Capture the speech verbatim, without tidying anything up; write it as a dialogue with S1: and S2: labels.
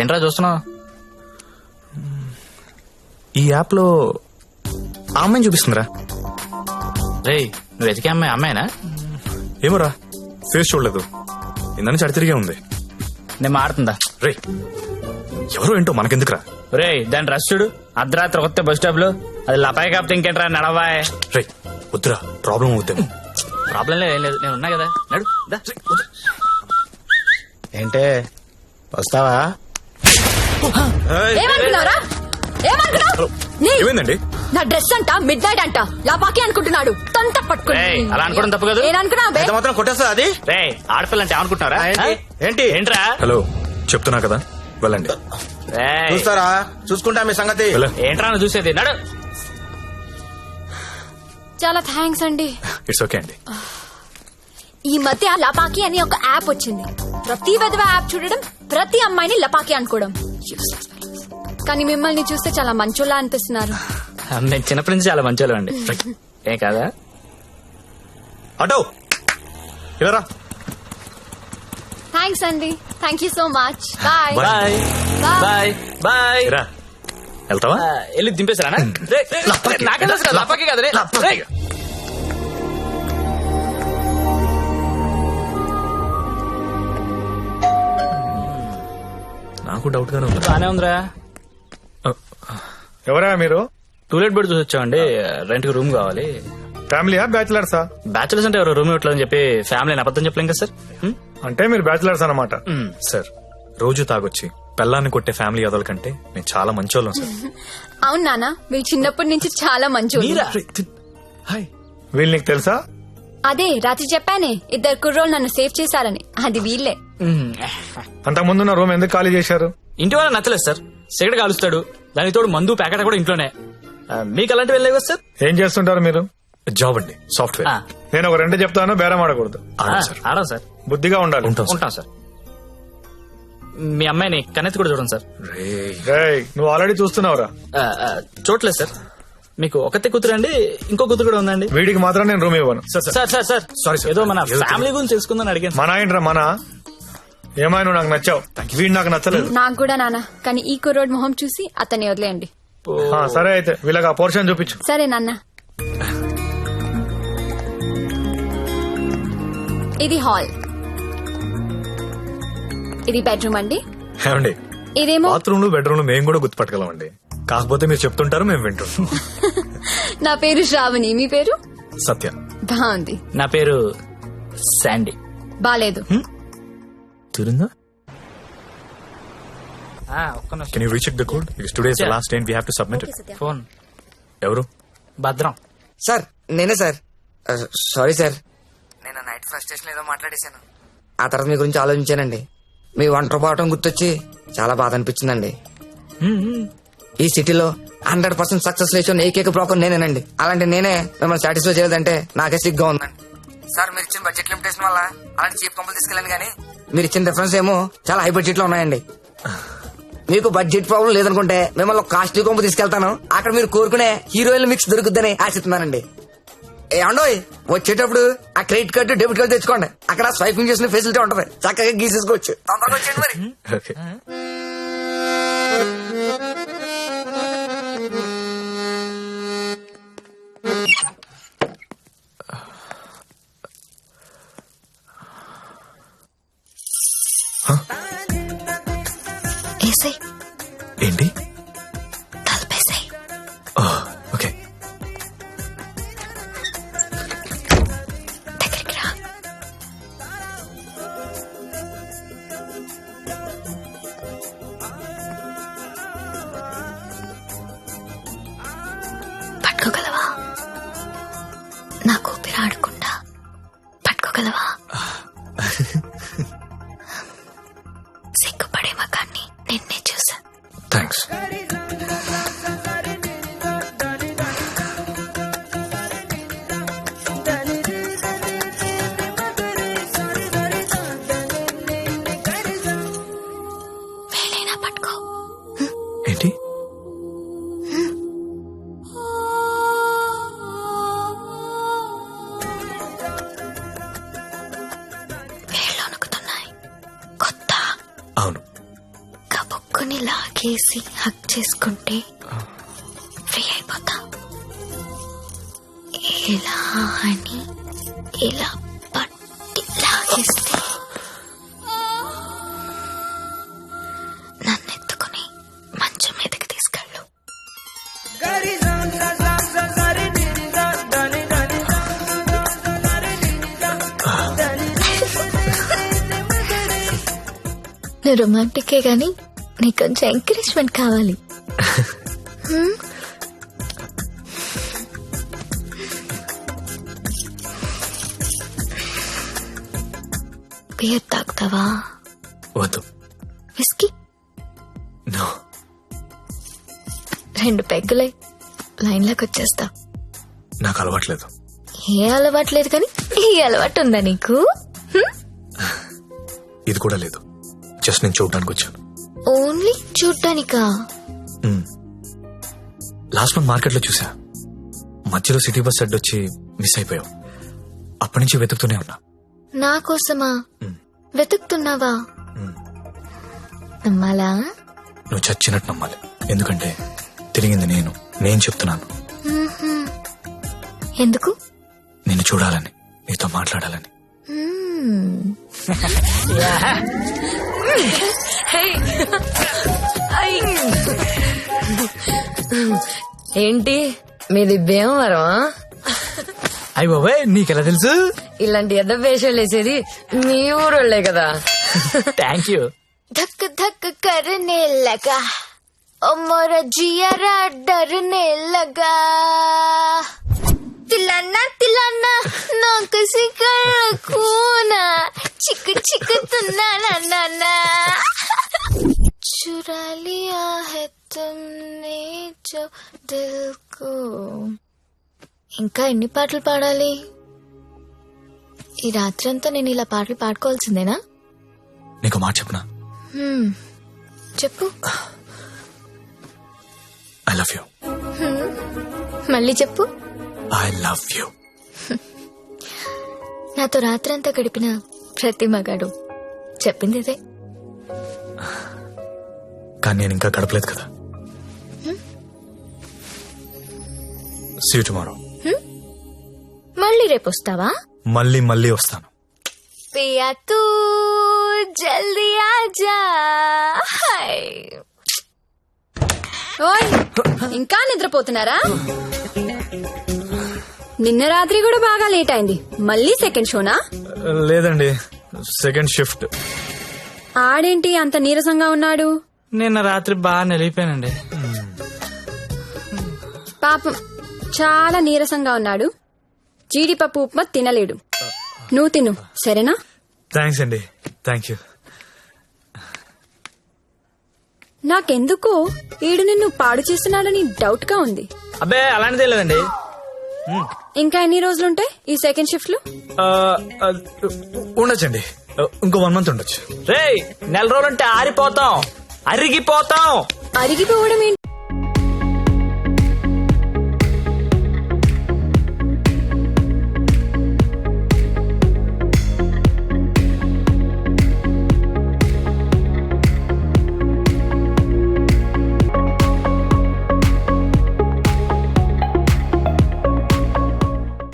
S1: ఏంట్రా చూస్తున్నావు?
S2: ఈ యాప్ లో ఆ అమ్మాయిని చూపిస్తుందిరా.
S1: రేయ్ నువ్వు వెతికే అమ్మాయి అమ్మాయినా?
S2: ఏమోరా, ఫేస్ చూడలేదు, ఇందని చడి తిరిగే ఉంది.
S1: నేను మాడుతుందా?
S2: రే ఎవరో ఏంటో మనకెందుకురా.
S1: రే దాని రష్ చూడు, అర్ధరాత్రి కొత్త బస్ స్టాప్ లో. అది లపాయి కాపుతే ఇంకేంట్రా నడవాయ్.
S2: రే వద్దురా, ప్రాబ్లం అవుతాము.
S1: ప్రాబ్లం లేదు, ఏం లేదు, నేను ఉన్నా కదా. నడు దా.
S3: ఏంటే వస్తావా?
S4: ఏమనుకున్నారా? ఏమనుకున్నావు?
S2: ఏమైందండి?
S4: నా డ్రెస్ అంట మిడ్ నైట్ అంట లాపాకి అనుకుంటున్నాడు. తొంత పట్టుకుని
S1: రేయ్, అలా అనుకోవడం తప్పు కదా.
S4: ఏమనుకున్నా
S3: ఎంత మాత్రం కొట్టేస్తా అది?
S1: రే ఆడపిల్ల అంటే అనుకుంటున్నారా?
S3: ఏంటి? ఏంటి
S1: ఏంట్రా?
S2: హలో చెప్తున్నా కదా, వెళ్ళండి.
S1: రేయ్,
S3: చూస్తారా? చూసుకుంటా మీ సంగతి.
S2: వెళ్ళ.
S1: ఏంట్రా నువ్వు చూసేది? నడు.
S4: చాలా థ్యాంక్స్ అండి.
S2: ఇట్స్ ఓకే అండి.
S4: ఈ మధ్య లపాకి అని ఒక యాప్ వచ్చింది. ప్రతి విధవ యాప్ చూడడం, ప్రతి అమ్మాయిని లపాకి అనుకోవడం. Useless fellows. కానీ మిమ్మల్ని చూస్తే చాలా మంచోళ్ళ అనిపిస్తున్నారు.
S1: మేము చిన్నప్పటి నుంచి చాలా మంచి అండి. ఏం కాదా?
S2: అటో ఇలా
S4: థ్యాంక్స్ అండి. Thank you so much. Bye
S1: bye bye bye.
S2: రా. వెళ్తావా?
S1: వెళ్ళి దింపేసారా? నాకే తెలుసు కదా, లపాకి కదా. రే రేయ్.
S2: నాకు డౌట్ గానే ఉంది.
S1: బానే ఉందిరా.
S5: ఎవరా మీరు?
S1: టూలెట్ బెడ్ చూసి వచ్చామండి. రెంట్ కి రూమ్ కావాలి.
S5: ఫ్యామిలీయా బ్యాచిలర్సా?
S1: బ్యాచులర్స్ అంటే ఎవరు రూమ్ ఇవ్వట్లేదని చెప్పి ఫ్యామిలీ అబద్ధం చెప్పలేం కదా సార్. హ్మ్?
S5: అంటే మీరు బ్యాచిలర్స్ అన్నమాట.
S1: హ్మ్.
S2: సార్ రోజు తాగొచ్చి పెళ్ళాన్ని కొట్టే ఫ్యామిలీ అదల కంటే మేము చాలా మంచోళ్ళం సార్.
S4: అవును నాన్న, మీరు చిన్నప్పటి నుంచి చాలా మంచోళ్ళు.
S1: మీరా?
S2: హాయ్.
S5: వీళ్ళు నీకు తెలుసా?
S4: అదే రాత్రి చెప్పానే, ఇద్దరు కుర్రోళ్ళు నన్ను సేవ్ చేశారని. అది వీళ్ళే.
S1: హ్మ్.
S5: అంతకు ముందున్న రూమ్ ఎందుకు ఖాళీ చేశారు?
S1: ఇంటి వాళ్ళ నచ్చలేదు సార్. సిగరెట్ కాలుస్తాడు, దానికి తోడు మందు ప్యాకెట్ కూడా ఇంట్లోనే. ఆ, మీకు అలాంటివి వెళ్ళలేవు కదా సార్?
S5: ఏం చేస్తుంటారు మీరు?
S2: జాబ్ అండి, సాఫ్ట్వేర్.
S1: ఆ,
S5: నేను ఒక రెండు చెప్తాను, బేరం ఆడకూడదు.
S1: ఆ,
S2: ఆడం సార్.
S1: ఆడం సార్.
S5: బుద్ధిగా ఉండాలి.
S2: ఉంటాం సార్.
S1: ఉంటాం సార్. మీ అమ్మాయిని కన్నెత్తి కూడా చూడండి సార్.
S2: రేయ్.
S5: రేయ్, నువ్వు ఆల్రెడీ చూస్తున్నావురా.
S1: ఆ, ఆ, చూడలేదు సార్. మీకు ఒకతే కూతురు అండి, ఇంకో కూతురు కూడా ఉందండి.
S5: వీడికి మాత్రం నేను రూమ్ ఇవ్వను.
S2: Sir sir
S1: sir sir sir
S2: Sorry, sir.
S1: ఏదో మన
S2: ఏదో
S1: ఫ్యామిలీ గురించి తెలుసుకుందని అడిగాను.
S5: మన ఏంట్రా మన? ఏమైనా నువ్వు నాకు నచ్చావు, వీడు నాకు నచ్చలేదు.
S4: నాకు కూడా నాన్న, కానీ ఈ కుర్రోడ్ మొహం చూసి అతన్ని వదిలేయండి.
S5: ఆ, సరే అయితే వీళ్ళకి ఆ పోర్షన్ చూపించు.
S4: సరే నాన్న. ఇది హాల్, ఇది బెడ్రూమ్ అండి.
S2: ఏమండి,
S4: ఇదేమో
S2: బాత్రూమ్ లో బెడ్రూమ్ లో మేము కూడా గుర్తుపట్టగలం అండి. కాకపోతే మీరు చెప్తుంటారు, మేము వింటుంటాం.
S4: నా పేరు శ్రావణి, మీ పేరు?
S2: సత్య.
S4: బాగుంది.
S1: నా పేరు శాండీ.
S4: బాలేదు.
S2: తిరుందా?
S1: ఆ, ఒక్క నిమిషం.
S2: Can you recheck the code? It's today's the
S1: Yeah.
S2: Last day we have to submit it.
S1: Phone
S2: ఎవరు?
S1: భద్రం.
S6: సార్ నేనే సార్. సారీ సార్, నేను నైట్ ఫ్రస్ట్రేషన్ ఏదో మాట్లాడేశాను. ఆ తర్వాత మీ గురించి ఆలోచించానండి. మీ ఒంటరి పోవటం గుర్తొచ్చి చాలా బాధ అనిపించిందండి. ఈ సిటీలో హండ్రెడ్ పర్సెంట్ సక్సెస్ లేచిన ఏకైక బ్రోకర్ నేనేనండి. అలాంటి నేనే మిమ్మల్ని సాటిస్ఫై చేయలేదంటే నాకే సిగ్గా ఉందండి. సార్ మీరు ఇచ్చిన బడ్జెట్ లిమిటేషన్ వల్ల అలాంటి చీప్ కంపెనీ తీసుకెళ్ళండి, కానీ మీరు ఇచ్చిన డిఫరెన్స్ ఏమో చాలా హై బడ్జెట్ లో ఉన్నాయండి. మీకు బడ్జెట్ ప్రాబ్లం లేదనుకుంటే మిమ్మల్ని కాస్ట్లీ కొంపు తీసుకెళ్తాను. అక్కడ మీరు కోరుకునే హీరోయిన్ మిక్స్ దొరుకుద్దని ఆశిస్తున్నానండి. ఏమండోయ్, వచ్చేటప్పుడు ఆ క్రెడిట్ కార్డు డెబిట్ కార్డు తెచ్చుకోండి. అక్కడ స్వైపింగ్ చేసిన ఫెసిలిటీ ఉంటది, చక్కగా గీసేసుకోవచ్చు. తొందరగా వచ్చేయండి మరి.
S2: ఓకే.
S4: ఏసై
S2: ఏంటి?
S4: తలపేసాయి.
S2: ఓకే.
S4: దగ్గరికి రా. పట్టుకోగలవా? నాకు ఊపిరి ఆడకుండా పట్టుకోగలవా? సిగ్గుపడే మగాన్ని నిన్నే చూసా.
S2: థ్యాంక్స్.
S4: వేలైనా పట్టుకో.
S2: ఏంటి?
S4: చేసి హక్ చేసుకుంటే ఫ్రీ అయిపోతా. ఇలా అని ఇలా పట్టి లాగేస్తే నన్ను ఎత్తుకుని మంచం మీదకి తీసుకెళ్ళు. నువ్వు రొమాంటికే గాని నీకు కొంచెం ఎంకరేజ్మెంట్ కావాలి. హ్మ్? బియర్ తాగుతావా?
S2: వద్దు.
S4: విస్కీ?
S2: నో.
S4: రెండు పెగ్గులై లైన్లోకి వచ్చేస్తా.
S2: నాకు అలవాట్లేదు.
S4: ఏ అలవాటు లేదు కానీ ఈ అలవాటు ఉందా నీకు? హ్మ్?
S2: ఇది కూడా లేదు. జస్ట్ నేను చూడడానికి వచ్చాను.
S4: ఓన్లీ చూడ్డానికా?
S2: లాస్ట్ మంత్ మార్కెట్ లో చూసా. మధ్యలో సిటీ బస్ అడ్డొచ్చి మిస్ అయిపోయావు. అప్పటి నుంచి వెతుకుతూనే ఉన్నా.
S4: నా కోసమా
S2: మ్.
S4: వెతుకుతున్నావా?
S2: మ్.
S4: నమ్మాలా?
S2: నువ్వు చచ్చినట్టు నమ్మాలి. ఎందుకంటే తిరిగింది నేను. నేను చెప్తున్నాను.
S4: మ్మ్హ్మ్. ఎందుకు?
S2: నిన్ను చూడాలని, నీతో మాట్లాడాలని.
S4: మ్మ్. హే. ఐ. ఏంటి మీది భీమవరం?
S1: అయ్యి బాబాయ్ నీకెలా తెలుసు?
S4: ఇలాంటి ఎద్ద వేషాలు వేసేది మీ ఊరోళ్లే కదా.
S1: Thank you.
S4: धक धक करने लगा ओ मोरा जियारा डरने लगा तिलाना तिलाना ना किसी कर खूना चिक चिक तुना ना ना ना चुरा लिया है तुमने जो दिल को. ఇంకా ఎన్ని పాటలు పాడాలి? ఈ రాత్రంతా నేను ఇలా పాటలు పాడుకోవాల్సిందేనా?
S2: నీకు మాట చెప్పనా?
S4: హ్మ్. చెప్పు.
S2: I love you.
S4: మళ్ళీ చెప్పు.
S2: I love you.
S4: నాతో రాత్రంతా గడిపిన ప్రతి మగాడు చెప్పింది ఇదే.
S2: కానీ నేను ఇంకా గడపలేదు కదా. See you tomorrow.
S4: మళ్ళీ రేపు వస్తావా?
S2: మళ్ళీ మళ్ళీ వస్తాను.
S4: పియా తూ జల్దీ ఆజా. ఓయ్ ఇంకా నిద్రపోతున్నారా? నిన్న రాత్రి కూడా బాగా లేట్ అయింది. మళ్ళీ సెకండ్ షోనా?
S2: లేదండి, సెకండ్ షిఫ్ట్.
S4: ఆడేంటి అంత నీరసంగా ఉన్నాడు?
S1: నిన్న రాత్రి బాగా నలిగిపోయానండి.
S4: పాపం చాలా నీరసంగా ఉన్నాడు. జీడిపప్పు ఉప్మా తినలేడు. నువ్వు తిను సరేనా?
S2: థ్యాంక్స్ అండి. Thank you.
S4: నాకెందుకో ఈడు నిన్ను పాడు చేస్తున్నాడని డౌట్ గా ఉంది.
S1: అబ్బే అలాంటిదే లేదండి.
S4: ఇంకా ఎన్ని రోజులుంటాయి ఈ సెకండ్ షిఫ్ట్ లో?
S2: ఉండొచ్చండి, ఇంకో వన్ మంత్ ఉండొచ్చు.
S1: రేయ్ నెల రోజులంటే ఆరిపోతాం, అరిగిపోతాం.
S4: అరిగిపోవడం ఏంటి?